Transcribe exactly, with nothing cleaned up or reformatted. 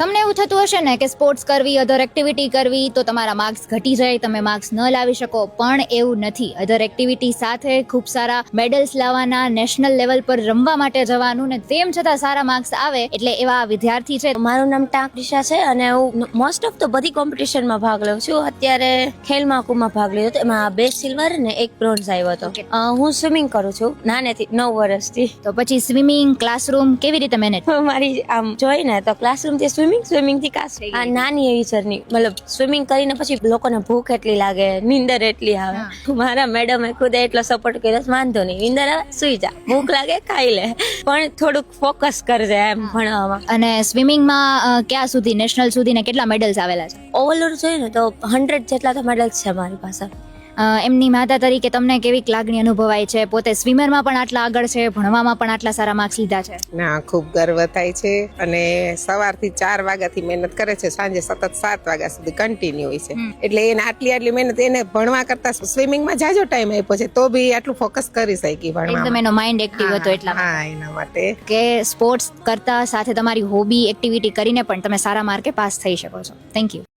તમને એવું થતું હશે ને કે સ્પોર્ટ્સ કરવી, અધર એક્ટિવિટી કરવી તો તમારા માર્ક્સ ઘટી જાય, તમે માર્ક્સ ન લાવી શકો, પણ એવું નથી. અધર એક્ટિવિટી સાથે ખૂબ સારા મેડલ્સ લાવવાના, નેશનલ લેવલ પર રમવા માટે જવાનું ને તેમ છતાં સારા માર્ક્સ આવે એટલે એવા વિદ્યાર્થી છે. મારું નામ ટાંકરીશા છે અને હું મોસ્ટ ઓફ તો બધી કોમ્પિટિશનમાં ભાગ લઉં છું. અત્યારે ખેલ મહાકુંભમાં ભાગ લીધો હતો, એમાં બે સિલ્વર ને એક બ્રોન્ઝ આવ્યો હતો. અ, હું સ્વિમિંગ કરું છું નાનેથી, નવ વર્ષથી. તો પછી સ્વિમિંગ ક્લાસરૂમ કેવી રીતે મેનેજ? મારી આમ જોઈ ને તો ક્લાસરૂમ થી સ્વિમિંગ, સ્વિમિંગ થી ક્લાસ. આ નાની એવી જર્ની, મતલબ સ્વિમિંગ કરીને પછી લોકોને ભૂખ એટલી લાગે, નીંદર એટલી આવે. મારા મેડમે ખુદ એટલો સપોર્ટ કર્યો, વાંધો નહીં, નીંદર આવે સુઈ જા, ભૂખ લાગે ખાઈ લે, પણ થોડુંક ફોકસ કરજે એમ ભણવામાં. અને સ્વિમિંગમાં ક્યાં સુધી, નેશનલ સુધી ને કેટલા મેડલ્સ આવેલા છે? ઓવરઓલ જોઈએ ને તો હંડ્રેડ જેટલા તો મેડલ્સ છે મારી પાસે. એમની માતા તરીકે તમને કેવી લાગણી અનુભવાય છે? પોતે સ્વિમરમાં પણ આટલા આગળ છે, ભણવામાં પણ આટલા સારા માર્ક્સ લીધા છે. ના, ખૂબ ગર્વ થાય છે. અને સવારથી ચાર વાગ્યાથી મહેનત કરે છે, સાંજે સતત સાત વાગ્યા સુધી કન્ટિન્યુ હોય છે. એટલે એને આટલી આટલી મહેનત, એને ભણવા કરતા સ્વિમિંગમાં જાજો ટાઈમ આપ્યો છે, તો બી આટલું ફોકસ કરી શકી ભણવામાં. એકદમ એનો માઇન્ડ એક્ટિવ હતો એટલા હા, એના માટે કે સ્પોર્ટ્સ કરતા સાથે તમારી હોબી એક્ટિવિટી કરીને પણ તમે સારા માર્કે પાસ થઈ શકો છો. Thank you.